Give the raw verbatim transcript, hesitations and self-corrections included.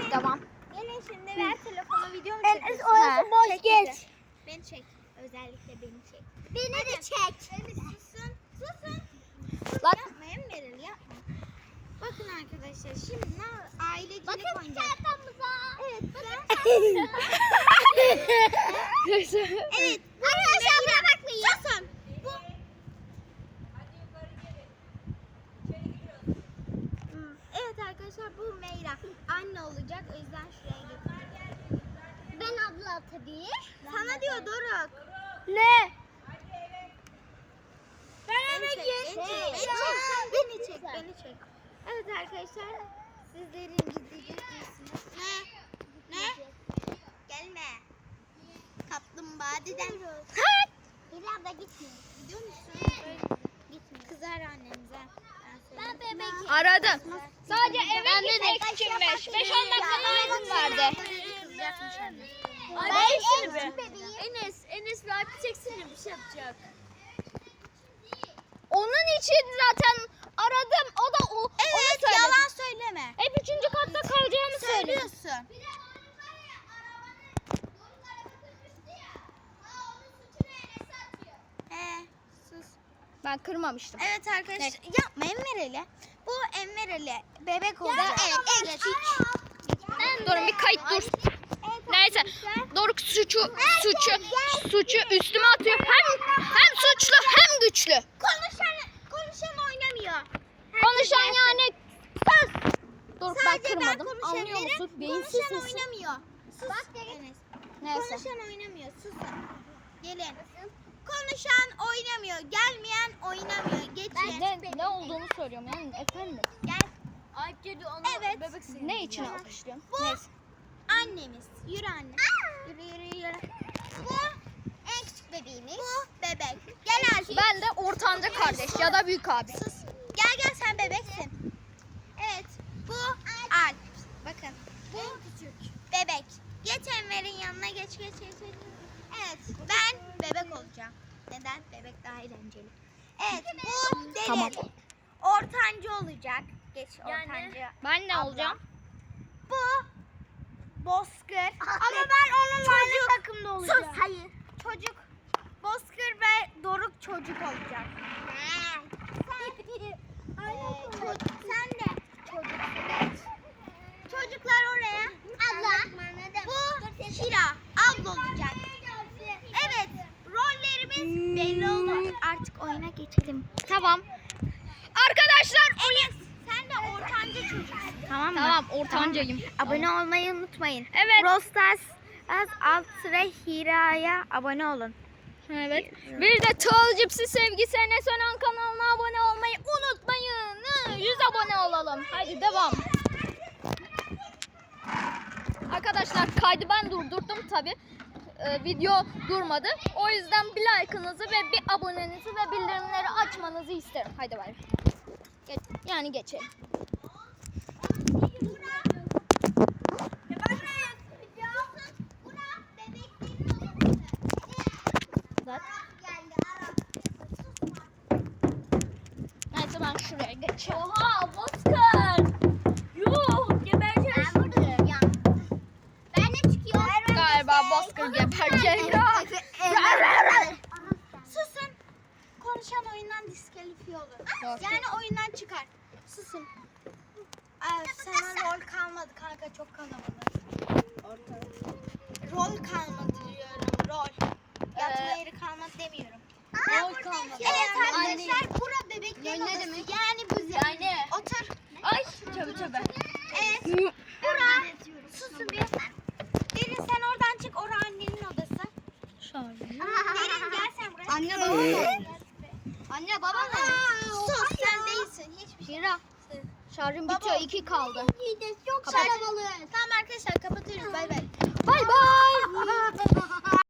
Tamam. Gelin şimdi ver telefonu, video mu Enes çekiyorsun? orası boş Çek geç. bizi. Beni çek. Özellikle beni çek. Beni de çek. Hadi susun. Susun. Lan. Yapmayın Meral, yapma. Bakın arkadaşlar şimdi ne ailecilik Bakın oynayacağız. çantamıza. Evet. Ben... Neyse. evet. Arkadaşlar buna bakmayın. Susun. Bu. Hmm, Evet arkadaşlar bu Meyra. Anne olacak. O yüzden şuraya getirdim. Ben abla tabii. Sana diyor Doruk. Ne? Beni çek, beni çek, beni çek, beni çek, beni çek. Evet arkadaşlar, sizlerin ciddi ciddiysiniz. Ne? Ne? Gelme. Kaplumbağa dedem. Bir abla gitmiyor. Gidiyor musun? Gitmiyor. Kızar annemize. Ben bebek. Aradım. Sadece eve gitmek içinmiş. beş on dakika izin verdi. Kızacakmış anne. Ben en bebeğim. Enes, Enes bir abi çeksene bir şey yapacak. Onun için zaten aradım. O da o. Evet, onu söyledi. yalan söyleme. Hep üçüncü katta kalacağımı söyledi. Söylüyorsun. He, sus. Ben kırmamıştım. Evet arkadaşlar, yapma Enver Ali. Bu Enver Ali bebek olacak. Evet, en küçük. Durun bir kayıt dur. Neyse. Doruk suçu suçu suçu üstüme atıyor. Hem hem suçlu hem güçlü. Konuşan, konuşan oynamıyor. Konuşan yani sus. Doruk ben Sadece ben kırmadım. Anlıyor konuşabilirim. musun? Beyinsiz Konuşan misin? oynamıyor. Sus. Bak Enes. Neyse. Konuşan oynamıyor. Susun. Gelin. Konuşan oynamıyor. Gelmeyen oynamıyor. Geçin. Ne, ne olduğunu soruyorum yani efendim. Gel. Ayıp geliyor onu Evet. bebek senin. Ne için alkışlıyorum? Bu Neyse. annemiz. Yürü anne. Yürü yürü yürü. Bu en küçük bebeğimiz. Bu bebek. Gel Alp. Ben de ortanca kardeş ya da büyük abi. Sus. Gel gel sen bebeksin. Evet. Bu Alp. Bakın. Bu küçük. Bebek. Geç Enver'in yanına geç geç geç. geç. Evet. Ben bebek olacağım. Neden? Bebek daha eğlenceli. Evet. Bu Derin. Tamam. Ortancı olacak. Geç Yani- ortancı. Ben ne Abla. olacağım? Bu Bozkır. Ama ben onunla aynı takımda olacağım. Sus hayır. Çocuk. Bozkır ve Doruk çocuk olacak. Sen, Ee, çocuk, sen de çocuksun. Çocuklar oraya. Abla. Bu Hira. Abla olacak. Evet. Rollerimiz belli oldu. Artık oyuna geçelim. Tamam. Arkadaşlar Enes sen de ortanca çocuksun. Tamam mı? Tamam ortancayım. Abone olmayı unutmayın. Evet. Brawl Stars az alt sıra Hira'ya abone olun. Evet. Bir de Tığıl Cipsi Sevgisi Enes Önen kanalına abone olmayı unutmayın. yüz abone olalım. Haydi devam. Arkadaşlar kaydı ben durdurdum tabi. Ee, video durmadı. O yüzden bir like'ınızı ve bir abonenizi ve bildirimleri açmanızı isterim. Haydi bay. Geç, yani geçelim. Zaten. Neyse ben şuraya geçeyim. Oha Bozkır. Yuh gebereceğim. Ben burada duracağım. Ben de çıkıyorum. Galiba Bozkır gebercek. Susun. Konuşan oyundan diskalifiye olur. Yok. Yani oyundan çıkar. Susun. Ay, sana rol kalmadı kanka, çok kalabalık. Rol kalmadı diyorum, rol. Yatma Ee, yeri kalmadı demiyorum. Rol kalmadı. Evet Anne. arkadaşlar, bura bebeklerin Ne odası. demek? Yani bize. Yani. Otur. Ay tövbe tövbe. Evet. Bura. Susun bir. Derin sen oradan çık, ora annenin odası. Derin gel sen buraya. Anne baba mı? Anne baba mı? Sus, sen değilsin. Hiçbir şey. Hira. Şarjım Baba. bitiyor. iki kaldı. Çok Kapat. kalabalık. Tamam arkadaşlar, kapatıyoruz. Bay bay. Bay bay.